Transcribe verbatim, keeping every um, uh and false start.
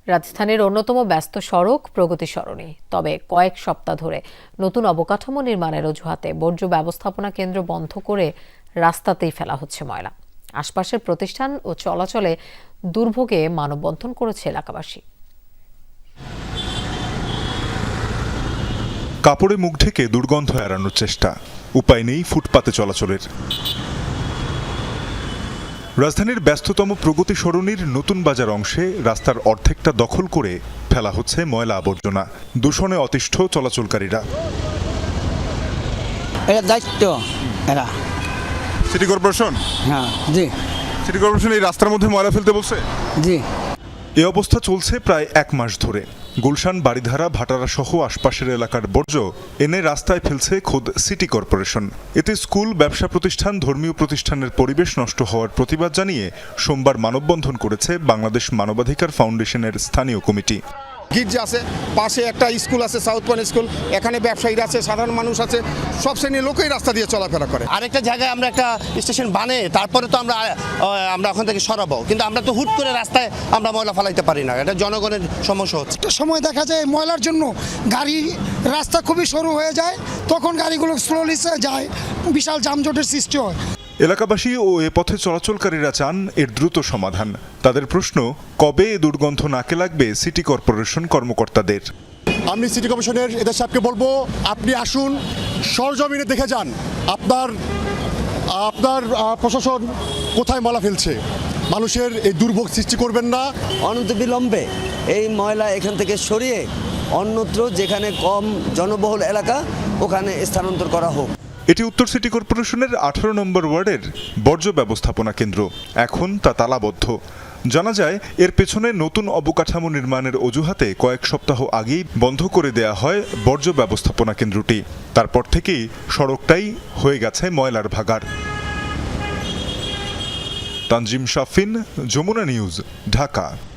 রাজধানীর অন্যতম ব্যস্ত সড়ক প্রগতি সরণি। তবে কয়েক সপ্তাহ ধরে নতুন অবকাঠামো নির্মাণের অজুহাতে বর্জ্য ব্যবস্থাপনা কেন্দ্র বন্ধ করে রাস্তাতেই ফেলা হচ্ছে ময়লা। আশপাশের প্রতিষ্ঠান ও চলাচলে দুর্ভোগে মানববন্ধন করেছে এলাকাবাসী। কাপড়ে মুখ ঢেকে দুর্গন্ধ এড়ানোর চেষ্টা, উপায় নেই ফুটপাতে চলাচলের। রাজধানীর ব্যস্ততম প্রগতি সরণির নতুন বাজার অংশে রাস্তার অর্ধেকটা দখল করে ফেলা হচ্ছে ময়লা আবর্জনা। দূষণে অতিষ্ঠ চলাচলকারীরা। এটা দায়িত্ব এরা সিটি কর্পোরেশন হ্যাঁ জি সিটি কর্পোরেশন এই রাস্তার মধ্যে ময়লা ফেলতে বলছে। জি এ অবস্থা চলছে প্রায় এক মাস ধরে। গুলশান, বারিধারা, ভাটারা সহ আশপাশের এলাকার বর্জ্য এনে রাস্তায় ফেলছে খোদ সিটি কর্পোরেশন। এতে স্কুল, ব্যবসা প্রতিষ্ঠান, ধর্মীয় প্রতিষ্ঠানের পরিবেশ নষ্ট হওয়ার প্রতিবাদ জানিয়ে সোমবার মানববন্ধন করেছে বাংলাদেশ মানবাধিকার ফাউন্ডেশনের স্থানীয় কমিটি। গির্জা আছে, পাশে একটা স্কুল আছে, সাউথ পয়েন্ট স্কুল, এখানে ব্যবসায়ীরা আছে, সাধারণ মানুষ আছে, সব শ্রেণীর লোকই রাস্তা দিয়ে চলাফেরা করে। আরেকটা জায়গায় আমরা একটা স্টেশন বানিয়ে তারপরে তো আমরা আমরা ওখান থেকে সরাবো, কিন্তু আমরা তো হুট করে রাস্তায় আমরা ময়লা ফেলাইতে পারি না। এটা জনগণের সমস্যা হচ্ছে। একটা সময় দেখা যায় ময়লার জন্য গাড়ি রাস্তা খুবই সরু হয়ে যায়, তখন গাড়িগুলো স্লোলি যায়, বিশাল যানজটের সৃষ্টি হয়। এলাকাবাসী ও এ পথে চলাচলকারীরা চান এর দ্রুত সমাধান। তাদের প্রশ্ন, কবে এ দুর্গন্ধ নাকে লাগবে সিটি কর্পোরেশন কর্মকর্তাদের। আমি সিটি কমিশনের এদের সাহেবকে বলবো, আপনি আসুন, সরজমিনে দেখে যান আপনার আপনার প্রশাসন কোথায় ময়লা ফেলছে। মানুষের এই দুর্ভোগ সৃষ্টি করবেন না। অনতিবিলম্বে এই ময়লা এখান থেকে সরিয়ে অন্যত্র যেখানে কম জনবহুল এলাকা ওখানে স্থানান্তর করা হোক। এটি উত্তর সিটি কর্পোরেশনের আঠারো নম্বর ওয়ার্ডের বর্জ্য ব্যবস্থাপনা কেন্দ্র। এখন তা তালাবদ্ধ। জানা যায় এর পেছনে নতুন অবকাঠামো নির্মাণের অজুহাতে কয়েক সপ্তাহ আগেই বন্ধ করে দেয়া হয় বর্জ্য ব্যবস্থাপনা কেন্দ্রটি। তারপর থেকেই সড়কটাই হয়ে গেছে ময়লার ভাগাড়। তানজিম শাফিন, যমুনা নিউজ, ঢাকা।